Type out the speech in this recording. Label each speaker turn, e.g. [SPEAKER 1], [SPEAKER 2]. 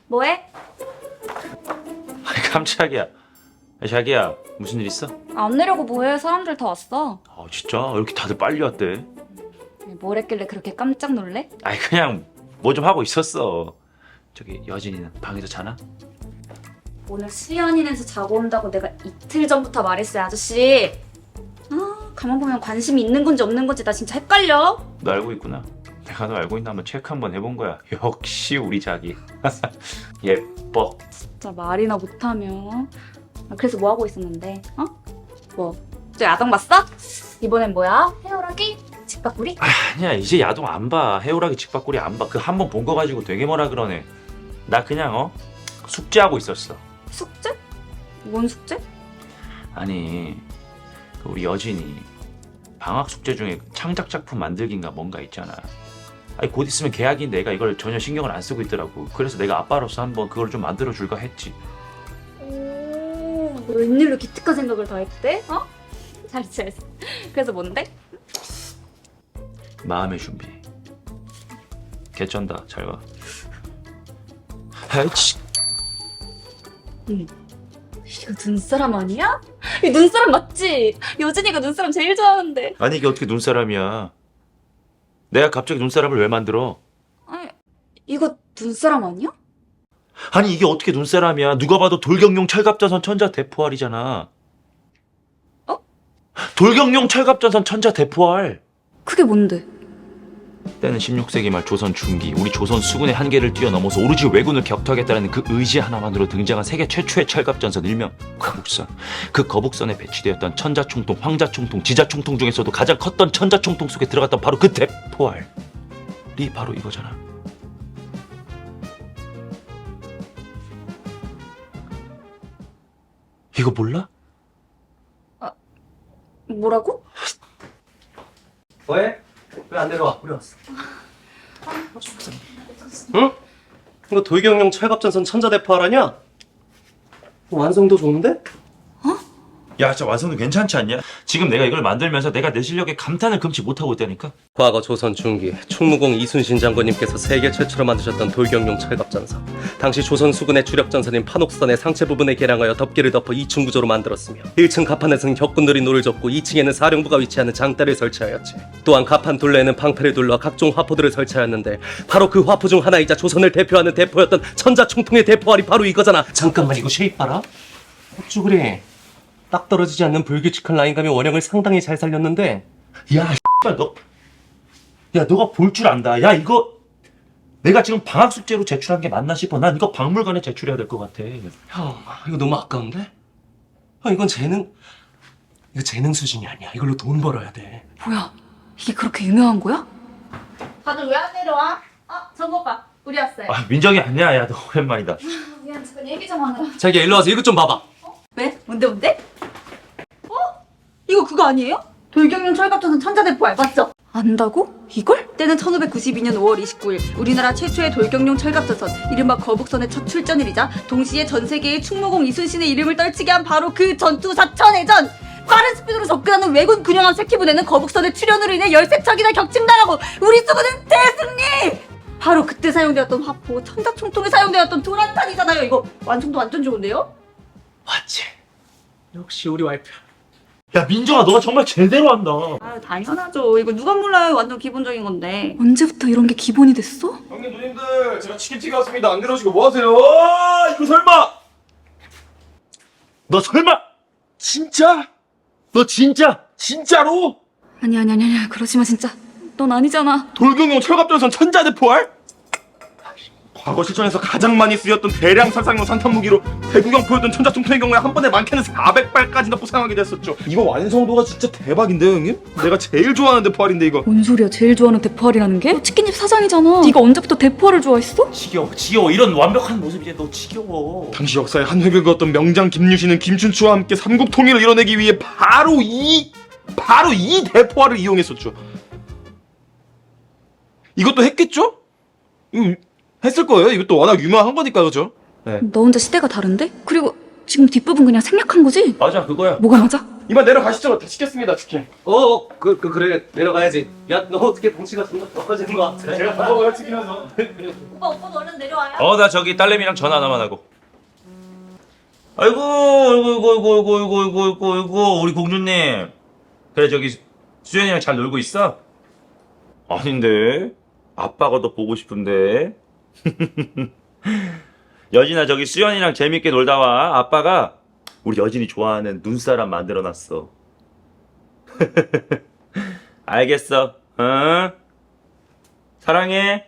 [SPEAKER 1] 뭐해?
[SPEAKER 2] 아니 깜짝이야. 야, 자기야 무슨 일 있어?
[SPEAKER 1] 안 내려고 뭐해? 사람들 다 왔어.
[SPEAKER 2] 아 진짜? 왜 이렇게 다들 빨리 왔대?
[SPEAKER 1] 뭘 했길래 그렇게 깜짝 놀래?
[SPEAKER 2] 아니 그냥 뭐 좀 하고 있었어. 저기 여진이는 방에서 자나?
[SPEAKER 1] 오늘 수연이네서 자고 온다고 내가 이틀 전부터 말했어요, 아저씨. 아, 가만 보면 관심이 있는 건지 없는 건지 나 진짜 헷갈려.
[SPEAKER 2] 너 알고 있구나. 내가 너 알고 있나 한번 체크 한번 해본 거야. 역시 우리 자기. 예뻐.
[SPEAKER 1] 진짜 말이나 못하면. 아, 그래서 뭐 하고 있었는데? 어? 뭐? 저 야동 봤어? 이번엔 뭐야? 헤어라기? 직박구리?
[SPEAKER 2] 아니야 이제 야동 안 봐. 해오라기 직박구리 안 봐. 그 한 번 본 거 가지고 되게 뭐라 그러네. 나 그냥 숙제하고 있었어.
[SPEAKER 1] 숙제? 뭔 숙제?
[SPEAKER 2] 아니 그 우리 여진이 방학 숙제 중에 창작 작품 만들기인가 뭔가 있잖아. 아니 곧 있으면 계약인데 내가 이걸 전혀 신경을 안 쓰고 있더라고. 그래서 내가 아빠로서 한번 그걸 좀 만들어 줄까 했지.
[SPEAKER 1] 오, 웬일로 기특한 생각을 다 했대? 어? 잘했어, 잘했어. 그래서 뭔데?
[SPEAKER 2] 마음의 준비. 개쩐다. 잘 봐. 아이치.
[SPEAKER 1] 이거 눈사람 아니야? 이 눈사람 맞지? 여진이가 눈사람 제일 좋아하는데.
[SPEAKER 2] 아니 이게 어떻게 눈사람이야? 내가 갑자기 눈사람을 왜 만들어?
[SPEAKER 1] 아니, 이거 눈사람 아니야?
[SPEAKER 2] 아니 이게 어떻게 눈사람이야? 누가 봐도 돌격용 철갑전선 천자 대포알이잖아.
[SPEAKER 1] 어?
[SPEAKER 2] 돌격용 철갑전선 천자 대포알.
[SPEAKER 1] 그게 뭔데?
[SPEAKER 2] 때는 16세기 말 조선 중기 우리 조선 수군의 한계를 뛰어넘어서 오로지 왜군을 격투하겠다는 그 의지 하나만으로 등장한 세계 최초의 철갑전선 일명 거북선. 그 거북선에 배치되었던 천자총통, 황자총통, 지자총통 중에서도 가장 컸던 천자총통 속에 들어갔던 바로 그 대포알이 바로 이거잖아. 이거 몰라?
[SPEAKER 1] 뭐라고?
[SPEAKER 3] 왜? 왜 안 내려와? 우리 왔어. 응? 이거 돌격용 철갑전선 천자대포하라냐? 완성도 좋은데?
[SPEAKER 2] 야 진짜 완성도 괜찮지 않냐? 지금 내가 이걸 만들면서 내가 내 실력에 감탄을 금치 못하고 있다니까?
[SPEAKER 3] 과거 조선 중기 충무공 이순신 장군님께서 세계 최초로 만드셨던 돌격용 철갑전선. 당시 조선 수군의 주력 전선인 판옥선의 상체 부분에 개량하여 덮개를 덮어 2층 구조로 만들었으며 1층 갑판에서는 격군들이 노를 젓고 2층에는 사령부가 위치하는 장대를 설치하였지. 또한 갑판 둘레에는 방패를 둘러 각종 화포들을 설치하였는데 바로 그 화포 중 하나이자 조선을 대표하는 대포였던 천자총통의 대포알이 바로 이거잖아. 잠깐만 이거 쉐입 봐라. 어쭈 그래. 딱 떨어지지 않는 불규칙한 라인감이 원형을 상당히 잘 살렸는데
[SPEAKER 2] 야 너가 볼 줄 안다. 야 이거 내가 지금 방학 숙제로 제출한 게 맞나 싶어. 난 이거 박물관에 제출해야 될 것 같아.
[SPEAKER 3] 형 이거 너무 아까운데? 형 이건 이거 재능 수준이 아니야. 이걸로 돈 벌어야 돼.
[SPEAKER 1] 뭐야? 이게 그렇게 유명한 거야? 다들 왜 안 내려와? 정국 오빠, 우리 왔어요.
[SPEAKER 2] 아 민정이 아니야. 야 너 오랜만이다.
[SPEAKER 1] 미안, 잠깐 얘기 좀 하느라.
[SPEAKER 3] 자기야 일로 와서 이것 좀 봐봐.
[SPEAKER 1] 왜? 뭔데? 이거 그거 아니에요? 돌격용 철갑전선 천자대포알 맞죠? 안다고? 이걸? 때는 1592년 5월 29일 우리나라 최초의 돌격용 철갑전선 이른바 거북선의 첫 출전일이자 동시에 전 세계의 충무공 이순신의 이름을 떨치게 한 바로 그 전투 사천해전. 빠른 스피드로 접근하는 왜군 군용함 새끼부대는 거북선의 출현으로 인해 13척이나 격침당하고 우리 수군은 대승리! 바로 그때 사용되었던 화포 천자총통에 사용되었던 도란탄이잖아요. 이거 완성도 완전 좋은데요?
[SPEAKER 3] 맞지? 역시 우리 와이프.
[SPEAKER 2] 야 민정아 너가 정말 제대로 한다.
[SPEAKER 1] 아 당연하죠. 이거 누가 몰라요. 완전 기본적인 건데. 언제부터 이런 게 기본이 됐어?
[SPEAKER 4] 형님 누님들 제가 치킨튀기 왔습니다. 안 내려오시고 뭐 하세요? 이거 설마
[SPEAKER 2] 너 설마 진짜? 너 진짜?
[SPEAKER 4] 진짜로?
[SPEAKER 1] 아니 그러지 마 진짜. 넌 아니잖아.
[SPEAKER 4] 돌격용 철갑전선 천자대포알? 과거 실전에서 가장 많이 쓰였던 대량 살상용 산탄 무기로 대구경 보였던 천자총통의 경우에 한 번에 많게는 400발까지 넣고 사용하게 됐었죠. 이거 완성도가 진짜 대박인데요 형님? 내가 제일 좋아하는 대포알인데 이거.
[SPEAKER 1] 뭔 소리야? 제일 좋아하는 대포알이라는 게? 너 치킨집 사장이잖아. 네가 언제부터 대포알을 좋아했어?
[SPEAKER 2] 지겨워 이런 완벽한 모습 이제 너 지겨워.
[SPEAKER 4] 당시 역사에 한 획을 그었던 명장 김유신은 김춘추와 함께 삼국 통일을 이뤄내기 위해 바로 이 대포알을 이용했었죠. 이것도 했겠죠? 했을 거예요. 이것도 워낙 유명한 거니까 그죠? 네.
[SPEAKER 1] 너 혼자 시대가 다른데? 그리고 지금 뒷부분 그냥 생략한 거지?
[SPEAKER 2] 맞아 그거야.
[SPEAKER 1] 뭐가 맞아?
[SPEAKER 4] 이만 내려가시죠. 다 시켰습니다, 치킨.
[SPEAKER 3] 그래 내려가야지. 야 너 어떻게 덩치가 점점 떨어지는 것 같아.
[SPEAKER 4] 제가 다 먹어요, 치킨 하죠.
[SPEAKER 1] 오빠 오빠도 얼른 내려와요.
[SPEAKER 2] 나 저기 딸내미랑 전화 하나만 하고. 아이고, 우리 공주님. 그래, 저기, 수연이랑 잘 놀고 있어? 아닌데. 아빠가 더 보고 싶은데. 여진아, 저기 수연이랑 재밌게 놀다 와. 아빠가 우리 여진이 좋아하는 눈사람 만들어놨어. 알겠어. 응? 사랑해.